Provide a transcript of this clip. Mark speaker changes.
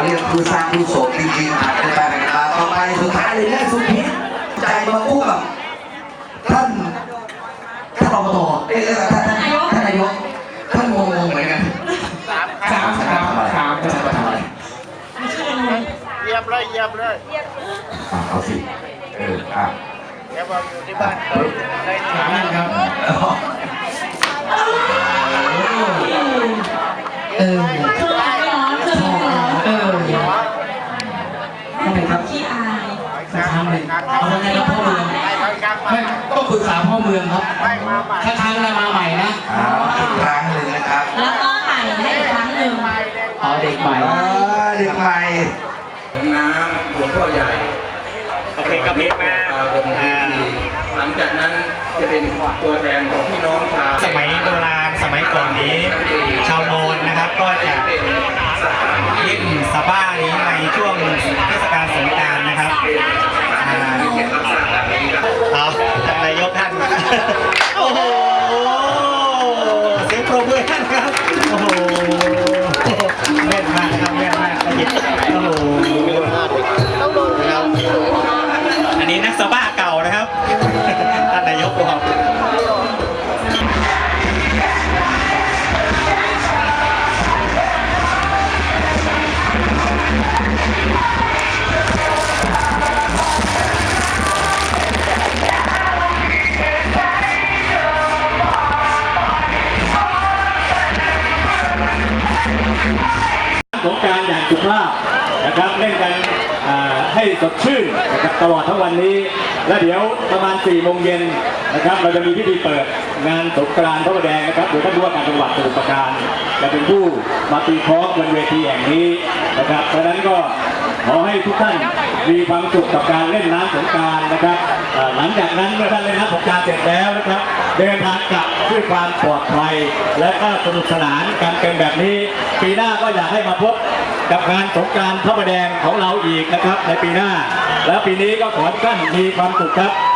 Speaker 1: เรียกคือสร้างผู้สมจริงๆครับในการแข่งขันต่อไปสุดท้ายเลยเรื่องสุพิษใจมาคู่กับท่านอบตท่านนายกท่านงงเหมือนกันถามจะมาทำอะไร
Speaker 2: เยียบเลย
Speaker 1: เอาสิ
Speaker 2: แกบอกอยู่ที่บ้านได้ถาม
Speaker 1: ครับ
Speaker 3: ทำไมครับขี้อาย
Speaker 4: ทำเลยเอาไงครับพ่อเมืองไม่ต้องปรึกษาพ่อเมืองครับถ้าครั้งละมาใหม่นะ
Speaker 1: อีกครั้งหนึ่งนะครับ
Speaker 3: แล้วก็ใหม่ให้อีกครั้งหนึ่ง
Speaker 4: เด็กใหม่
Speaker 1: เด็กใหม่
Speaker 5: น้ำหลวงพ่อใหญ่
Speaker 2: โอเคกับเพชรมา
Speaker 5: หลังจากนั้นจะเป็นตัวแทนของพี่น้องชาว
Speaker 2: สมัยโบราณสมัยก่อนนี้ชาวโมนนะครับก็จะเล่นสบ้านี้ในช่วงเทศกาลสงกรานต์นะครับเอาท่านนายกท่านโอ้โหเสียงปรบมือท่านครับโอ้โหแม่นมากครับแม่นมากขยิบโอ้โหอันนี้นักสบ้าเก่านะครับท่านนายกบอก
Speaker 6: สงกรานต์อย่างสุภาพนะครับเล่นกันให้สดชื่นนะครับตลอดทั้งวันนี้และเดี๋ยวประมาณ4 โมงเย็นนะครับเราจะมีพิธีเปิดงานสงกรานต์พระประแดงนะครับโดยท่านผู้ว่าการจังหวัดสมุทรปราการจะเป็นผู้มาตีคล้องบนเวทีแห่งนี้นะครับเพราะฉะนั้นก็ขอให้ทุกท่านมีความสุขกับการเล่นน้ำสงกรานต์นะครับหลังจากนั้นเมื่อท่านเล่นน้ำสงกรานต์เสร็จแล้วนะครับเดินทางกลับด้วยความปลอดภัยและก็สนุกสนานกันเป็นแบบนี้ปีหน้าก็อยากให้มาพบกับงานสงกรานต์พระประแดงของเราอีกนะครับในปีหน้าแล้วปีนี้ก็ขอให้ท่านมีความสุขครับ